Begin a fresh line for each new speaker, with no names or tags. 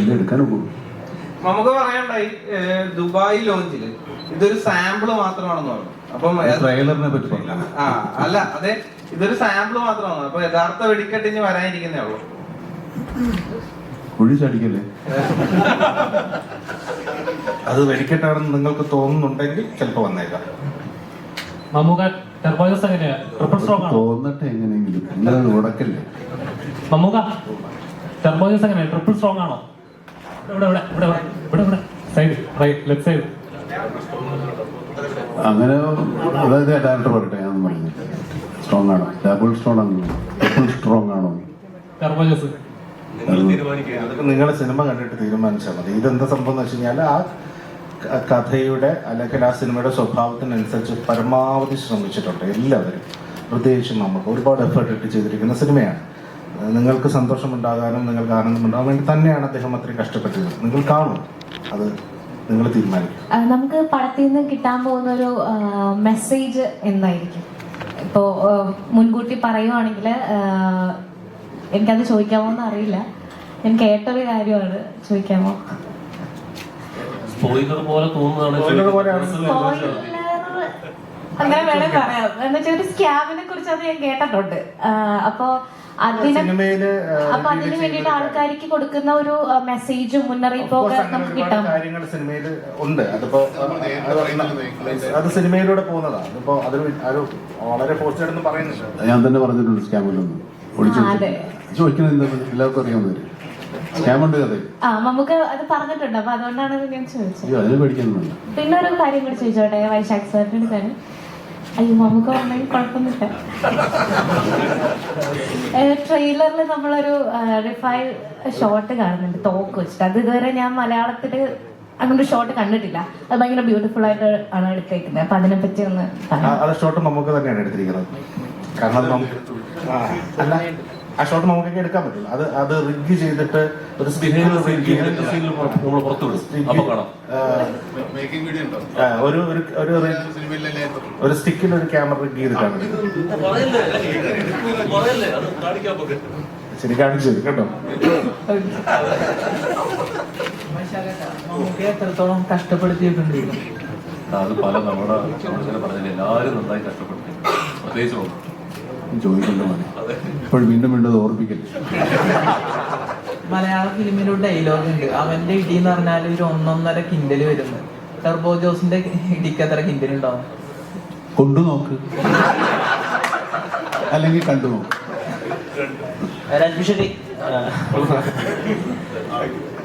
അതല്ലേ എടുക്കാൻ പോകും.
നമുക്ക് പറയണ്ടായി ദുബായ് ലോഞ്ചില് ഇതൊരു സാമ്പിള് മാത്രമാണെന്ന് പറഞ്ഞു. അപ്പം
ട്രെയിലറിനെ പറ്റി പറഞ്ഞു.
അല്ല അതെ, ഇതൊരു സാമ്പിള് മാത്രമാണ്. അപ്പൊ യഥാർത്ഥ വെടിക്കെട്ട് ഇനി വരാനിരിക്കുന്നേ ഉള്ളൂ.
കുഴി ചടിക്കല്ലേ?
അത് വെടിക്കെട്ടാണെന്ന് നിങ്ങൾക്ക് തോന്നുന്നുണ്ടെങ്കിൽ ചിലപ്പോ വന്നേക്കാം.
തോന്നട്ടെ എങ്ങനെയെങ്കിലും, നിങ്ങളത് ഉടക്കല്ലേ.
ട്രിപ്പിൾ സ്ട്രോങ് ആണോ?
അങ്ങനെ അതായത് ഡയറക്ടർ പറയട്ടെ, ഞാൻ പറഞ്ഞു സ്ട്രോങ് ആണോ, ഡബിൾ സ്ട്രോങ് ആണോ, ട്രിപ്പിൾ സ്ട്രോങ് ആണോ?
അതൊക്കെ നിങ്ങളെ സിനിമ കണ്ടിട്ട് തീരുമാനിച്ചാൽ മതി. ഇതെന്താ സംഭവം എന്ന് വെച്ച് കഴിഞ്ഞാൽ ആ കഥയുടെ അല്ലെങ്കിൽ ആ സിനിമയുടെ സ്വഭാവത്തിനനുസരിച്ച് പരമാവധി ശ്രമിച്ചിട്ടുണ്ട് എല്ലാവരും. പ്രത്യേകിച്ചും നമുക്ക് ഒരുപാട് എഫേർട്ട് ഇട്ട് ചെയ്തിരിക്കുന്ന സിനിമയാണ്. നിങ്ങൾക്ക് സന്തോഷമുണ്ടാകാനും നിങ്ങൾക്ക് ആനന്ദമുണ്ടാകാൻ വേണ്ടി തന്നെയാണ് അദ്ദേഹം അത്രയും കഷ്ടപ്പെട്ടത്. നിങ്ങൾ കാണും, അത് നിങ്ങൾ തീരുമാനിക്കും.
നമുക്ക് പടത്തിൽ നിന്ന് കിട്ടാൻ പോകുന്ന ഒരു മെസ്സേജ് എന്തായിരിക്കും? ഇപ്പോൾ മുൻകൂട്ടി പറയുവാണെങ്കിൽ എനിക്കത് ചോദിക്കാമോ എന്ന് അറിയില്ല. ഞാൻ കേട്ടൊരു കാര്യമാണ്, ചോദിക്കാമോ? അങ്ങനെ വേണേ പറയാം. എന്ന് വെച്ചാൽ ഒരു സ്കാമിനെ കുറിച്ച് അത് ഞാൻ കേട്ടിട്ടുണ്ട്. അപ്പൊ അതിന് വേണ്ടിയിട്ട് ആൾക്കാർക്ക് കൊടുക്കുന്ന ഒരു മെസ്സേജും മുന്നറിയിപ്പും ഒക്കെ നമുക്ക് കിട്ടാം.
കാര്യങ്ങൾ സിനിമയിൽ ഉണ്ട്. അതിപ്പോ അത് സിനിമയിലൂടെ പോകുന്നതാണ്. അതിപ്പോ അതൊരു വളരെ പോസ്റ്റായിട്ടൊന്നും പറയുന്നില്ല.
ഞാൻ തന്നെ പറഞ്ഞിട്ടുണ്ട് സ്കാമിലൊന്നും ചോദിക്കുന്നത് എല്ലാവർക്കും അറിയാവുന്നവര് സ്കാമുണ്ട് കഥ.
നമുക്ക് അത് പറഞ്ഞിട്ടുണ്ട്. അപ്പൊ അതുകൊണ്ടാണ് ഞാൻ ചോദിച്ചത്.
അതിന് പേടിക്കാനൊന്നുമില്ല.
പിന്നെ ഒരു കാര്യം കൂടി ചോദിച്ചോട്ടെ വൈശാഖ് സാറിന്റെ അടുത്താണ്. അയ്യോ നമുക്ക് വന്നെങ്കിൽ കുഴപ്പമൊന്നുമില്ല. ട്രെയിലറിൽ നമ്മളൊരു റിഫൈൽ ഷോട്ട് കാണുന്നുണ്ട് തോക്ക് വെച്ചിട്ട്. അത് ഇതുവരെ ഞാൻ മലയാളത്തില് അങ്ങനൊരു ഷോട്ട് കണ്ടിട്ടില്ല. അത് ഭയങ്കര ബ്യൂട്ടിഫുൾ ആയിട്ട് ആണ് എടുത്തേക്കുന്നത്. അപ്പൊ അതിനെ പറ്റി ഒന്ന്
ആ ഷോട്ട് നമുക്ക് തന്നെയാണ് എടുത്തിരിക്കുന്നത്. കാരണം ആ ഷോട്ട് നമുക്കൊക്കെ എടുക്കാൻ പറ്റില്ല. അത് റിഗ് ചെയ്തിട്ട് ഒരു ഒരു സ്റ്റിക്കിൽ ഒരു ക്യാമറ റിഗ് ചെയ്തിട്ടാണ്. ശരി, കാണിച്ചു കേട്ടോ.
എത്രത്തോളം കഷ്ടപ്പെടുത്തിയിട്ടുണ്ട്
അത് പല നമ്മുടെ പറഞ്ഞില്ല, എല്ലാവരും നന്നായി കഷ്ടപ്പെടുത്തി. പ്രത്യേകിച്ച്
ചോദിക്കണ്ട മതി, ഇപ്പോൾ വീണ്ടും വീണ്ടും ഓർമ്മിക്കല്ലേ.
മലയാള ഫിലിമിലൊരു ഡയലോഗ് ഉണ്ട്, അവന്റെ ഇടി എന്ന് പറഞ്ഞാൽ ഒരു 1.5 കിൻഡല് വരുന്നത്. ടർബോ ജോസിന്റെ ഇടിക്ക് എത്ര കിൻഡൽ ഉണ്ടാവും?
കൊണ്ടു നോക്ക്, അല്ലെങ്കിൽ കണ്ടു നോക്ക്.
രഞ്ജു ശരി.